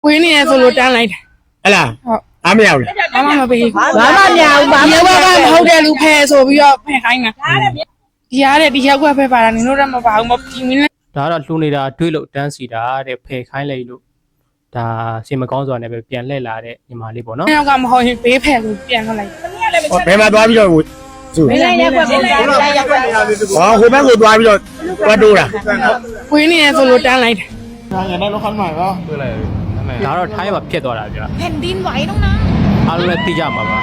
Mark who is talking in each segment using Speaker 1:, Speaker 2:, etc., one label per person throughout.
Speaker 1: ဝင်းနေရဆိုလို့တန်းလိုက်တယ်
Speaker 2: ဟဲ့လား
Speaker 1: ဟုတ်
Speaker 2: အားမရဘူးလား
Speaker 1: ဘာမှမပေးဘူး
Speaker 3: ဘာမှမရဘူးဘာမှ
Speaker 1: ဒီဘက်ကမဟုတ်တဲ့လူဖဲဆိုပြီးတော့ဖဲခိုင်းတာဒီရတဲ့ဒီရောက်ကဖဲပါတာနင်တို့တော့မပါဘူးမကြည့်မင်းလဲ
Speaker 4: ဒါကတော့လှူနေတာတွေးလို့တန်းစီတာတဲ့ဖယ်ခိုင်းလိုက်လို့ဒါစင်မကောင်းစွာနဲ့ပဲပြန်လှည့်လာတဲ့ညီမလေးပေါ့နော်
Speaker 1: ယောက်ကမဟုတ်ရင်ဘေးဖဲလို့ပြန်ထွက်လိုက်
Speaker 2: ဟောဘယ်မှာသွားပြီးတော့သူ
Speaker 3: မင်းလည်းရက်ွက်ပုံစံလိုက်ရက်ွက်
Speaker 2: ဟောဟိုဘက်ကိုသွားပြီးတော့သွားတိုးတာ
Speaker 1: ဝင်းနေရဆိုလို့တန်းလိုက်တယ်
Speaker 4: ဒါတော့ထိုင်းမှာဖြစ်သွားတာဗျာ
Speaker 3: แผ่นดินไหวต้องนะ
Speaker 4: အားလုံးလည်းသိကြမှာပါ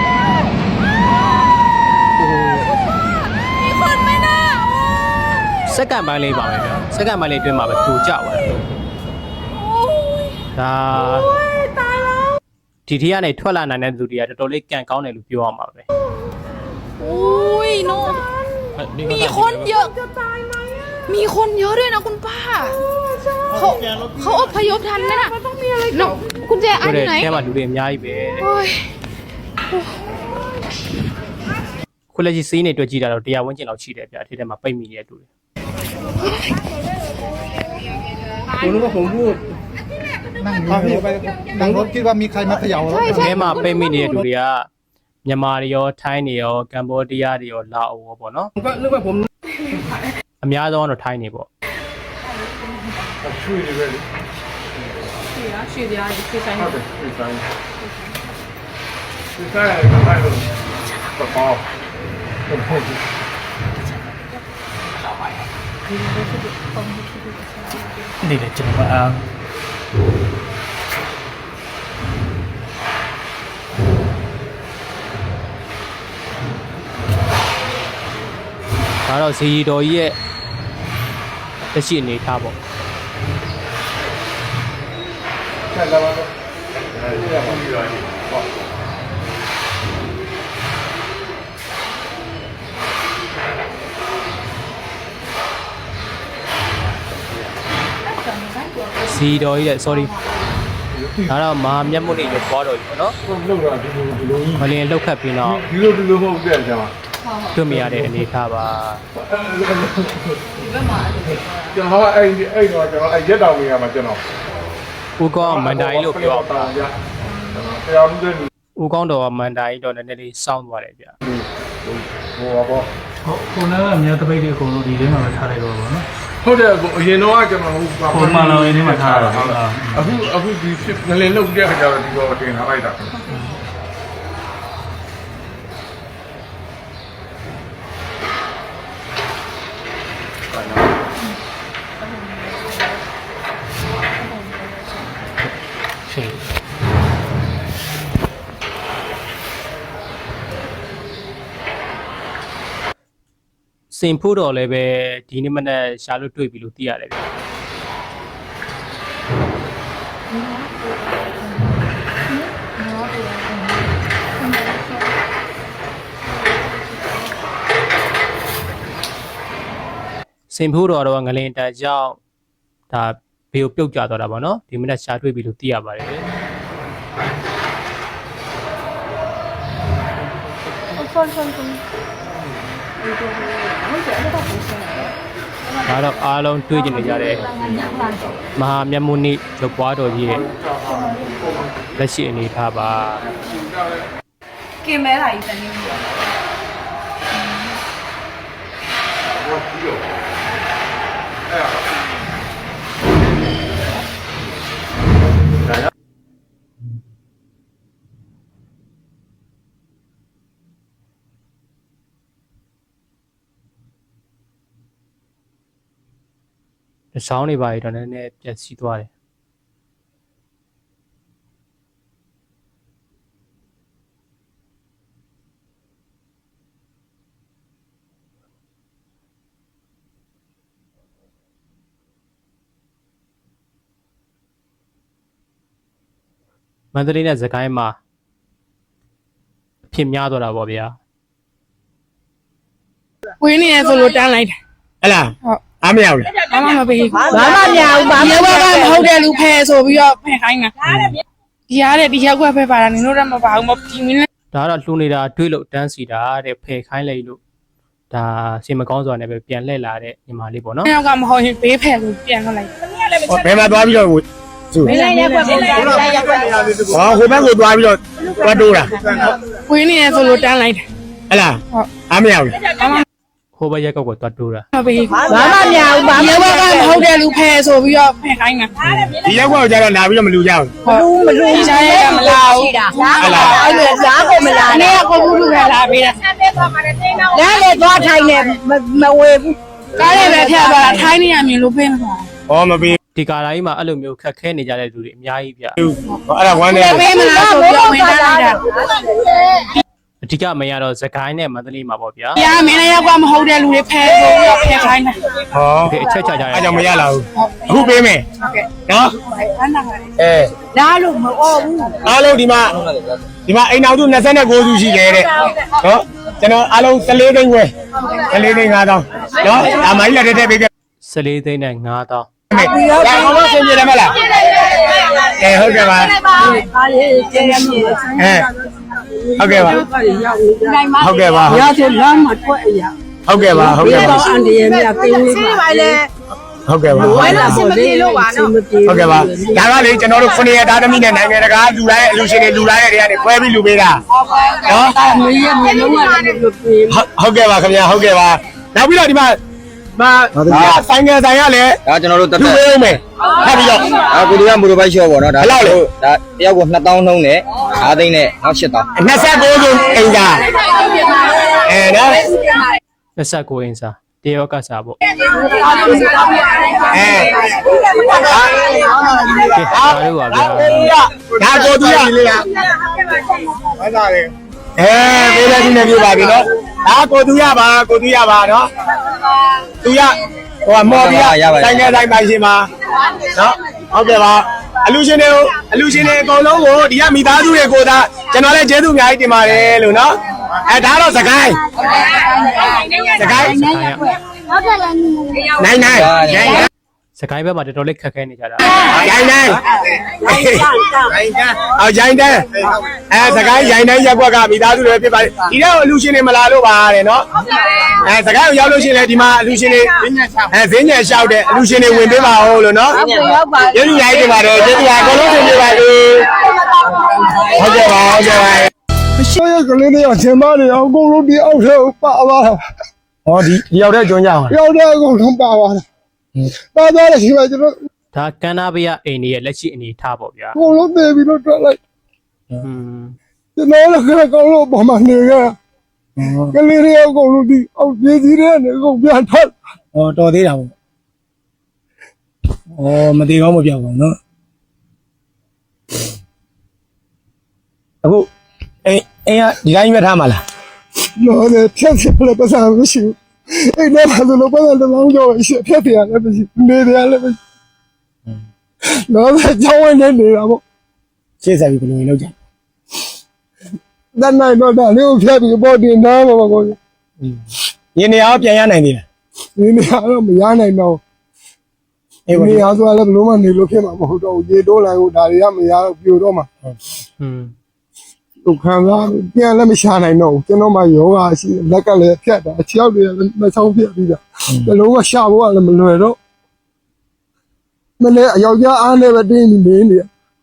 Speaker 3: มีคนไหมนะ
Speaker 4: စက္ကန့်ပိုင်းလေးပါပဲဗျာစက္ကန့်ပိုင်းလေးအတွင်းမှာပဲတူကြသွားတယ်ဒါဒီทีကနေထွက်လာနိုင်တဲ့သူတွေကတော်တော်လေးကြံကောင်းတယ်လို့ပြောရမှာပဲ
Speaker 3: โอ้ยโนมีคนเยอะมีคนเยอะด้วยนะคุณป้าเขาอพยพทันนะน้องคุณแจอัน
Speaker 4: ဆို
Speaker 3: อยู่ไหน
Speaker 4: တဲ့အဲမှာလူတွေအများကြီးပဲတဲ့
Speaker 3: โอ้ย
Speaker 4: ခုလက်ရှိစီးနေတွေ့ကြည့်တာတော့တရားဝန်းကျင်လောက်ရှိတယ်ဗျာဒီထဲမှာပိတ်မိနေတဲ့လူတွေ
Speaker 5: คุณรู้ว่าผมพูดนั่งรถคิดว่ามีใครมาเขย่าแล้ว
Speaker 4: အဲမှာပိတ်မိနေတဲ့လူတွေကမြန်မာတွေရောထိုင်းတွေရောကမ္ဘောဒီးယားတွေရောလာအိုရောပေါ့နော်
Speaker 5: ผมก็นึกว่าผม
Speaker 4: အများဆုံးကတော့ထိုင်းနေပေါ့
Speaker 5: นี่แหละကျွန်တော်အား
Speaker 4: ဒါတော့ဇီတော်ကြီးရဲ့လက်ရှိအနေထားပေါ့ဇီတော်ကြီးရဲ့ sorry ဒါတော့မဟာမြတ်မုတ်နေရောပွားတော်ကြီးပေါ့နော်
Speaker 6: လောက်တာဒီလိုကြီး
Speaker 4: မလင်းလောက်ခတ်ပြီးတော့
Speaker 6: ဒီလိုမဟုတ်တဲ့ဆရာမ
Speaker 4: တွေ့မြရတဲ့အနေထားပါ
Speaker 6: ကျွန်တော်အဲ့တော့ကျွန်တော်အဲ့ရက်တောင်နေရာမှာကျွန်တော်
Speaker 4: ဦးကောင်းမန်တိုင်းလို့ပြောပါ
Speaker 6: တရားမှုတဲ့
Speaker 4: ဦးကောင်းတော်ကမန်တိုင်းတော့နည်းနည်းလေးစောင်းသွားတယ်ဗျ
Speaker 6: ဟိုပေါ့
Speaker 5: ခုနကအများတပိတ်တွေအကုန်လုံးဒီထဲမှာပဲထားလိုက်တော့ပါတော့
Speaker 6: ဟုတ်တယ်အရင်တော့ကျွန်တော်
Speaker 5: ပုံမှန်လောင်းရင်းထဲမှာထားတာ
Speaker 6: အခုဒီငလင်လုတ်တဲ့ခါကျတော့ဒီတော့တင်ထားလိုက်တာ
Speaker 5: ရှိ
Speaker 4: စင်ဖို့တော်လည်းပဲဒီနေ့မနေ့ရှာလို့တွေ့ပြီလို့သိရတယ်ဗျစင်ဖို့တော်တော့ငလင်တန်ကြောင့်ဒါဘေကိုပြုတ်ကျသွားတာပေါ့နော်ဒီမနေ့ရှာတွေ့ပြီလို့သိရပါတယ် ဒါတော့အားလုံးတွေ့ကြနေကြတဲ့မဟာမြတ်မုနိရုပ်ပွားတော်ကြီးရဲ့လက်ရှိအနေထားပါ
Speaker 3: กินแม่ไหลแต่นี่
Speaker 4: ဆောင်းနေပါတော့နည်းနည်းပြက်စီးသွားတယ်မန္တလေးနဲ့စကိုင်းမှာဖြစ်များသွားတာပေါ့ဗျာ
Speaker 1: ဝင်းနေရဆိုလို့တန်းလိုက်တယ်
Speaker 2: ဟဲ့လား
Speaker 1: ဟုတ်
Speaker 2: အားမရဘူးလား
Speaker 1: ဘာမှမပေးဘူး
Speaker 3: ဘာမှမရဘူးဘာ
Speaker 1: ဒီ
Speaker 3: မှ
Speaker 1: ဘက်ကမဟုတ်တဲ့လူဖဲဆိုပြီးတော့ဖဲခိုင်းတာဒီရတဲ့ဒီရောက်ကဖဲပါတာနင်တို့တော့မပါဘူးမကြည့်မင်းလဲ
Speaker 4: ဒါကတော့လှူနေတာတွေးလို့တန်းစီတာတဲ့ဖယ်ခိုင်းလိုက်လို့ဒါစင်မကောင်းစွာနဲ့ပဲပြန်လှည့်လာတဲ့ညီမလေးပေါ့နော်
Speaker 1: ယောက်ကမဟုတ်ရင်ဘေးဖဲလို့ပြန်ထွက်လိုက်
Speaker 2: ဟောဘယ်မှာသွားပြီးတော့စု
Speaker 7: မင်းလည်းရက်ွက်ပုံသားလည်းရက်ွက်
Speaker 2: ဟောဟိုဘက်ကိုသွားပြီးတော့တွားတိုးတာ
Speaker 1: ဝင်းနေရဆိုလို့တန်းလိုက်တယ်
Speaker 2: ဟဲ့လားအားမရဘူး
Speaker 4: ဟိုဘက်ရက်ကောက်ကိုတွတ်တိုးတာ
Speaker 1: မပေး
Speaker 7: ဘာမှမရဘူးဘာမှ
Speaker 1: ဒီဘက်ကမဟုတ်တဲ့လူဖဲဆိုပြီးတော့ဖဲခိုင်းတာ
Speaker 2: ဒီရက်ကွက်ကိုကျတော့လာပြီးတော့မလူကြဘူး
Speaker 1: မလူရှားရကမလာဘူး
Speaker 7: ဟုတ်လားအဲ့လိုရားကိုမလာ
Speaker 1: အနေ
Speaker 7: နဲ့
Speaker 1: ကကိုဘူးလူကလာပေးတာ
Speaker 7: နားလေသွားထိုင်နေမဝေဘူး
Speaker 1: ကားလေးပဲဖျက်သွားတာထိုင်းနေရမြင်လို့ပေးမှာ
Speaker 2: ဟောမပေး
Speaker 4: ဒီကာလာကြီးမှာအဲ့လိုမျိုးခက်ခဲနေကြတဲ့လူတွေအများကြီးဗျ
Speaker 2: ဘူးဟောအဲ့ဒါဝမ်းနေ
Speaker 1: ပေးမလားဆိုပြီးဝင်တန်းလိုက်တာ
Speaker 4: အဓိကမရတော့စကိုင်းနဲ့မန္တလေးမှာပေါ့ဗျာ
Speaker 1: ။ရာမင်းလည်းရောက်မဟုတ်တဲ့လူတွေဖဲဆိုပြီးတော့ဖဲခိုင်းတာ
Speaker 2: ဟော
Speaker 4: ဒီအချက်ချကြရ
Speaker 2: အဲ့ကြောင့်မရလာဘူးအခုပေးမယ်နော်
Speaker 1: ။အဲ့ဒါကလည်း
Speaker 2: အဲ
Speaker 7: နားလို့မအော်ဘူး
Speaker 2: အားလုံးဒီမှာအိမ်အောင်သူ29စုရှိတယ်တဲ့နော်ကျွန်တော်အားလုံး14သိန်းဝယ်14သိန်း5000နော်ဒါမိုင်းလက်ထက်ပေးပြ
Speaker 4: 14သိန်းနဲ့9000
Speaker 2: မယ်ဒါအောင်လို့ဆင်ပြေတယ်မလားအဲဟုတ်ကဲ့ပါ
Speaker 7: အားလေးကျင်းရမြေ
Speaker 2: အဲဟုတ်ကဲ့ပါဟုတ်ကဲ့ပါ
Speaker 7: ရဆိုလမ်းမှာထွက်အရာ
Speaker 2: ဟုတ်ကဲ့ပါဟုတ်ကဲ့ပါ
Speaker 7: အန်ဒီရဲ့မြတ်တင်းလေးပါလေ
Speaker 2: ဟုတ်ကဲ့ပါ
Speaker 7: ဝိုင်းလာစမပြေလို့ပါနော်
Speaker 2: ဟုတ်ကဲ့ပါဒါကလေကျွန်တော်တို့9ရက်သားသမီးနဲ့နိုင်ငံတကာလူတိုင်းအလူရှင်တွေလူတိုင်းတွေကနေခွဲပြီးလူပေးတာနော်
Speaker 7: မင်းရဲ့မျက်လုံးကလည်းလို့ပြေ
Speaker 2: ဟုတ်ကဲ့ပါခင်ဗျာဟုတ်ကဲ့ပါနောက်ပြီးတော့ဒီမှာဆိုင်ငယ်ဆိုင်ရလဲ
Speaker 8: ဒါကျွန်တော်တို့တက်
Speaker 2: လူ
Speaker 8: တက်
Speaker 2: ပေးမယ်ဖတ်ပြီးတော့
Speaker 8: ဒါကိုဒီကမူရဘိုက်ရှော့ပေါ့နော်ဒါဒါတယောက်ကို2000နှုံးနဲ့5သိန်းနဲ့နောက်8000
Speaker 2: 29စုအိမ်သာအဲနော်
Speaker 4: 29အင်းစာတရောကစားပေါ့
Speaker 2: အဲ
Speaker 4: ကဲဒါတို့ပါဗျာ
Speaker 2: ဒါကိုတူရလေးရဝမ်းသာတယ်အဲပေးလိုက်ဒီနေ့ပြပါပြီနော်ဒါကိုတူရပါနော်တူရဟိုမော်ပြီးဆိုင်ငယ်ဆိုင်ပိုင်ရှင်ပါနော်ဟုတ်ကဲ့ပါအလူရှင်တွေအကုန်လုံးကိုဒီကမိသားစုတွေကိုဒါကျွန်တော်လည်းကျေးဇူးအများကြီးတင်ပါတယ်လို့နော်အဲဒါတော့စကိုင်းနိုင်
Speaker 4: စကိုင်းဘက်မှာတော်တော်လေးခက်ခဲနေကြတာ
Speaker 2: ရိုင်းတိုင်းအော်ရိုင်းတိုင်းအဲစကိုင်းရိုင်းတိုင်းရက်ကွက်ကမိသားစုတွေဖြစ်ပါတယ်ဒီတော့အလူရှင်တွေမလာလို့ပါတဲ့နော်အဲစကိုင်းကိုရောက်လို့ရှိရင်လည်းဒီမှာအလူရှင်တွေဈေးညံလျှောက်တဲ့အလူရှင်တွေဝင်ပေးပါဦးလို့နော်ကျေးဇူးများတင်ပါတယ်ကျေးဇူးပါအကုန်လုံးတင်ပြပါဦးဟုတ်ကဲ့ပါ
Speaker 9: မရှိရကလေးတွေအချင်းမတွေအကုန်လုံးဒီအောက်ထဲပါသွားတာ
Speaker 2: ဟောဒီရောက်တဲ့ကျွန်းကြအောင်
Speaker 9: ရောက်တဲ့အကုန်လုံးပါသွားတာပါသွားတယ်ဒီမှာကျွန်တော်
Speaker 4: ဒါကန္နာဘရအိမ်ကြီးရဲ့လက်ရှိအနေထားပေါ့ဗျာ
Speaker 9: အကုန်လုံးပြေးပြီးတော့ထွက်လိုက် ကျွန်တော်လည်းခက်ကောင်းလို့ပေါ်မှာနေခဲ့ကလေးတွေအကုန်လုံးဒီအောက်ပြေးကြီးတွေနဲ့အကုန်ပြန်ထွက်
Speaker 2: ဟောတော်သေးတာပေါ့ဟောမသေးကောင်းမပြောက်ပါဘူးနော်အခုအိမ်ကဒီတိုင်းပဲထားမှာလား
Speaker 9: တော့လည်းဖြတ်ဖြစ်လည်းပတ်စံမရှိဘူးအဲ့ဒါမှလည်းပတ်စံတစ်လောင်းကျော်ရှိဖြတ်တယ်လည်းမရှိနေတယ်လည်းမရှိတော့ကြောင်းဝင်နေတာပေါ့
Speaker 2: ရှေ့ဆက်ပြီးဘယ်လိုလုပ်ကြ
Speaker 9: တန်းနိုင်တော့ဒါလေးကိုဖြတ်ပြီးပေါ်တင်သားပါကော
Speaker 2: ရင်းနေအောင်ပြန်ရနိုင်သေးလား
Speaker 9: ဒီနေရာတော့မရနိုင်တော့
Speaker 2: အေး
Speaker 9: ဒီ
Speaker 2: ပါ
Speaker 9: နေရာဆိုလည်းဘလို့မှနေလို့ဖြစ်မှာမဟုတ်တော့ဘူးရေတိုးလိုက်ကိုဒါတွေကမရတော့ပြိုတော့မှာသူခံစားပြန်လည်းမရှာနိုင်တော့ဘူးကျွန်တော်မှယောဂရှိလက်ကလည်းဖြတ်တာအချောက်တွေလည်းမဆောင်ပြပြီးတာဘလုံးကရှာဖို့ကလည်းမလွယ်တော့မလဲအယောက်ျားအားနဲ့ပဲတင်းနေနေနေ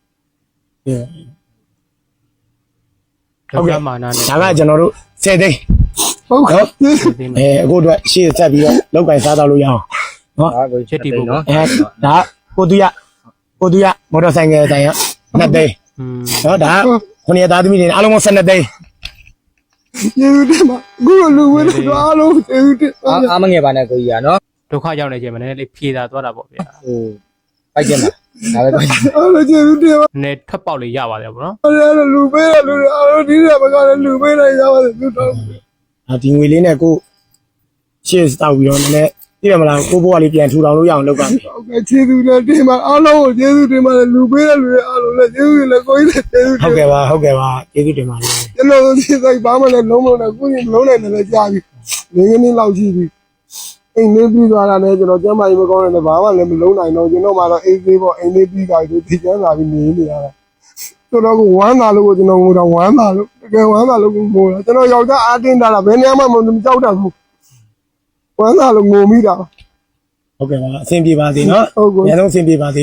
Speaker 4: ဟုတ်ကဲ့မာနာနဲ့
Speaker 2: ဒါကကျွန်တော်တို့10သိန်း
Speaker 9: ဟုတ်ကဲ့
Speaker 2: အခုအတွက်ရှေ့ဆက်ပြီးတော့လောက်ကင်စားတော့လို့ရအောင်နော်
Speaker 8: ဒါကိုချက်တီဖို့နော်
Speaker 2: ဒါကိုတူရမော်တော်ဆိုင်ငယ်တိုင်ရ2သိန်းနော်ဒါ9ရက်သားသမီးတွေအားလုံး12သိန်း
Speaker 9: ကျေးဇူးတင်ပါအခုလူဝင်တော့အားလုံးကျေးဇူးတင်
Speaker 8: အားမငယ်ပါနဲ့ကိုကြီးอ่ะနော်
Speaker 4: ဒုက္ခရောက်နေခြင်းမနည်းနည်းလေးဖြေတာသွားတာပေါ့ဗျာ
Speaker 8: ဟိုပိုက်ကျင်ပါဒါပဲပိုက်ကျင်
Speaker 9: အားလုံးကျေးဇူးတင်ပါ
Speaker 4: နည်းထွက်ပေါက်လေးရပါတယ်ပေါ့နော်
Speaker 9: အားလုံးလူပေးတဲ့လူတွေအားလုံးဒီနေ့မကလည်းလူပေးနိုင်ရပါတယ်သူတော်
Speaker 2: ဒီငွေလေးနဲ့ကိုရှေ့တောက်ပြီးတော့နည်းနည်းသိရမလားကိုဘိုးကလေးပြန်ထူထောင်လို့ရအောင်လုပ်ပါမယ်
Speaker 9: ဟုတ်ကဲ့ကျေးဇူးတင်ပါအားလုံးကိုကျေးဇူးတင်ပါတယ်လူပေးတဲ့လူတွေအားလုံးလည်းကျေးဇူးလည်းကိုကြီးလည်းကျေးဇူး
Speaker 2: ဟုတ်ကဲ့ပါကျေးဇူးတင်ပါတယ်
Speaker 9: ကျွန်တော်တို့ဒီဆိုင်ဘာမှလည်းလုံးမလုံးကိုကြီးလုံးနိုင်တယ်လည်းကြားပြီနေကနေ့လောက်ရှိပြီအိမ်လေးပြီးသွားတာလည်းကျွန်တော်ကျမ်းမာရေးမကောင်းတဲ့လည်းဘာမှလည်းမလုံးနိုင်တော့ကျွန်တော်မှတော့အိမ်သေးပေါ့အိမ်လေးပြီးသွားပြီဒီကျမ်းလာပြီးနေနေရတာကျွန်တော်ကဝမ်းသာလို့ကျွန်တော်ငိုတော့ဝမ်းသာလို့တကယ်ဝမ်းသာလို့ငိုတာကျွန်တော်ယောက်ျားအားတင်းတာလားဘယ်နေရာမှမကြောက်တတ်ဘူးဝမ်းသာလို့ငိုမိတာ
Speaker 2: ဟုတ်ကဲ့ပါအဆင်ပြေပါစေနော်
Speaker 9: ဟုတ်ကဲ့
Speaker 2: အများဆုံးအဆင်ပြေပါစေ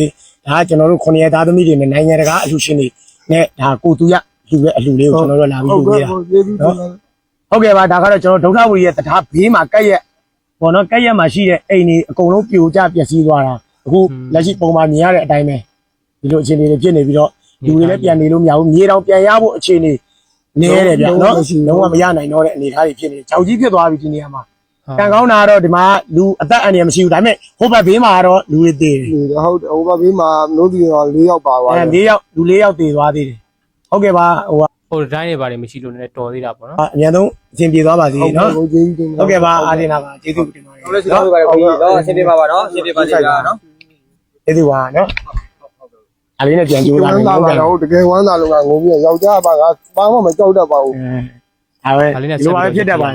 Speaker 2: ဒါကျွန်တော်တို့9ရက်သားသမီးတွေနဲ့နိုင်ငံတကာအလှူရှင်တွေနဲ့ဒါကိုသူရလှူရဲ့အလှူလေးကိုကျွန်တော်တို့လာပြီးလုပ်ပေးတာနော်ဟုတ်ကဲ့ပါဒါကတော့ကျွန်တော်ဒုက္ခဝီရဲ့တထားဘေးမှာကက်ရက်ပေါ့နော်ကက်ရက်မှာရှိတဲ့အိမ်တွေအကုန်လုံးပြိုကျပျက်စီးသွားတာအခုလက်ရှိပုံမှန်မြင်ရတဲ့အတိုင်းပဲဒီလိုအခြေအနေတွေဖြစ်နေပြီးတော့လူတွေလည်းပြန်နေလို့မရဘူးမြေတောင်ပြန်ရဖို့အခြေအနေနေရတယ်ဗျနော်လုံးဝမရနိုင်တော့တဲ့အနေအထားတွေဖြစ်နေကြောက်ကြီးဖြစ်သွားပြီဒီနေရာမှာကံကောင်းတာကတော့ဒီမှာလူအသက်အန္တရာယ်မရှိဘူးဒါပေမဲ့ဟိုဘက်ဘေးမှာကတော့လူတွေသေးတယ်
Speaker 9: ဟုတ်တယ်ဟိုဘက်ဘေးမှာလို့ဒီတော့4ယောက်ပါသွားတယ်
Speaker 2: 4ယောက်လူ4ယောက်သေသွားသေးတယ်ဟုတ်ကဲ့ပါဟို
Speaker 4: ဟိုတိုင်းတွေပါတယ်မရှိလို့လည်းတော်သေးတာပေါ့နော်
Speaker 2: အများဆုံးအဆင်ပြေသွားပါစေနော်
Speaker 9: ဟုတ်ကဲ့ကျေးဇူးတင်ပါ
Speaker 2: ဟုတ်ကဲ့ပါအားတင်တာပါကျေးဇူးတင်ပါတယ်
Speaker 8: ဟုတ်လဲကျွန်တော်တို့ပါပြီနော်အဆင်ပြေပါပါနော်အဆင်ပြေပါစေဗျာနော်
Speaker 2: ကျေးဇူးပါနော်အလေးနဲ့ပြန်ကြိုး
Speaker 9: ဝ
Speaker 2: လာ
Speaker 9: မ်း
Speaker 2: မယ်
Speaker 9: သာ
Speaker 2: ဟုတ်
Speaker 9: ပါ
Speaker 2: ကဲ့
Speaker 9: တော့တကယ်ဝမ်းသာလို့ကငုံပြီးယောက်ျားပါကဘာမှမကြောက်တတ်ပါဘူး
Speaker 2: ဒါပဲဒီလိုပါဖြစ်တတ်ပါလေ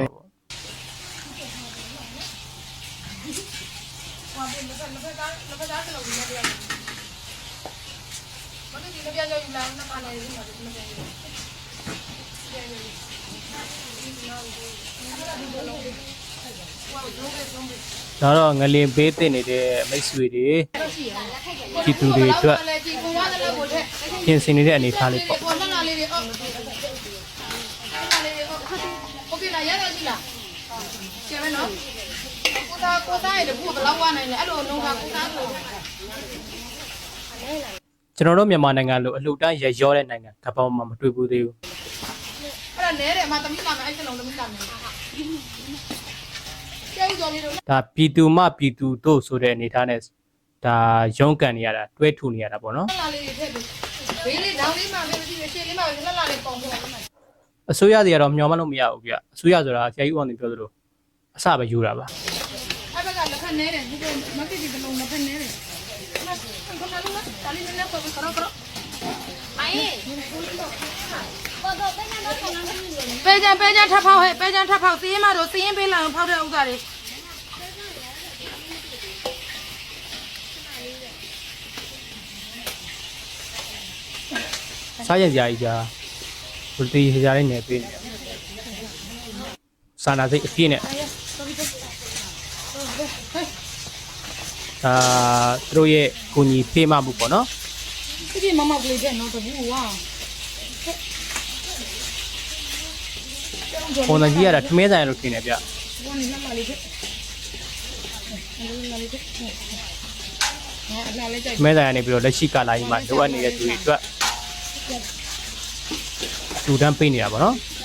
Speaker 4: ဒါတော့ငလင်ပေးတင်နေတဲ့မိတ်ဆွေတွေဒီသူတွေအတွက်ပြင်ဆင်နေတဲ့အနေအထားလေးပေါ့
Speaker 3: โอเคလားရရရှိလားကျဲမယ်နော်ကိုသားရဲ့တပူဘယ်လောက်ဝနိုင်လဲအဲ့လိုလုံးကကိုသားဆို
Speaker 4: ကျွန်တော်တို့မြန်မာနိုင်ငံလိုအလှူတန်းရရောတဲ့နိုင်ငံကမ္ဘာမှာမတွေ့ဘူးသေးဘူး
Speaker 3: အဲ့ဒါနဲတယ်အမသမီးလာမယ်အဲ့စလုံးသမီးလာမယ်ကျဲဦးကြော်လေးတို့
Speaker 4: ဒါပြည်သူမှပြည်သူတို့ဆိုတဲ့အနေအထားနဲ့ဒါရုန်းကန်နေရတာတွဲထူနေရတာပေါ့နော်
Speaker 3: လာလေးတွေထည့်ပြီးဘေးလေးနောင်လေးမှပဲမရှိရရှေ့လေးမှပဲလက်လာလေးပေါင်ပေါ်မှာ
Speaker 4: အစိုးရတွေကတော့မျှော်မှန်းလို့မရဘူးဗျအစိုးရဆိုတာဆရာကြီးဦးအောင်တင်ပြောသလိုအစပဲယူတာပါ
Speaker 3: အဲ့ဘက်ကလက်ခနဲတယ်ဒီကမကိဒီကလုံးလက်ခနဲတယ်ခဏလုံးတာလေးနဲ့ပေါ်ပြီးခရောခရောပဲကြံထပ်ဖောက်ဟဲ့ပဲကြံထပ်ဖောက်စီးရင်မတို့စီးရင်ပေးလာအောင်ဖောက်တဲ့ဥစ္စာတွေ
Speaker 4: စားရင်စရာကြီးကြာဘယ်တီစရာလေးနေပေးနေစာနာစိတ်အပြည့်နဲ့သူတို့ရဲ့ကိုကြီးဖေးမမှုပေါ့နော်
Speaker 3: ဒီမမကလေးတဲ့နော်တပူဝါ
Speaker 4: ပုံစံကြီးရတာထမင်းဆိုင်လို့ထင်တယ်ဗျ
Speaker 3: ဝမ်းလက်လာလေးတဲ့လာလေးတဲ့ဟာလာလေးကြိုက်
Speaker 4: ထမင်းဆိုင်ကနေပြီးတော့လက်ရှိကာလာကြီးမှာလိုအပ်နေတဲ့သူတွေအတွက်လူတန်းပေးနေတာပေါ့နော်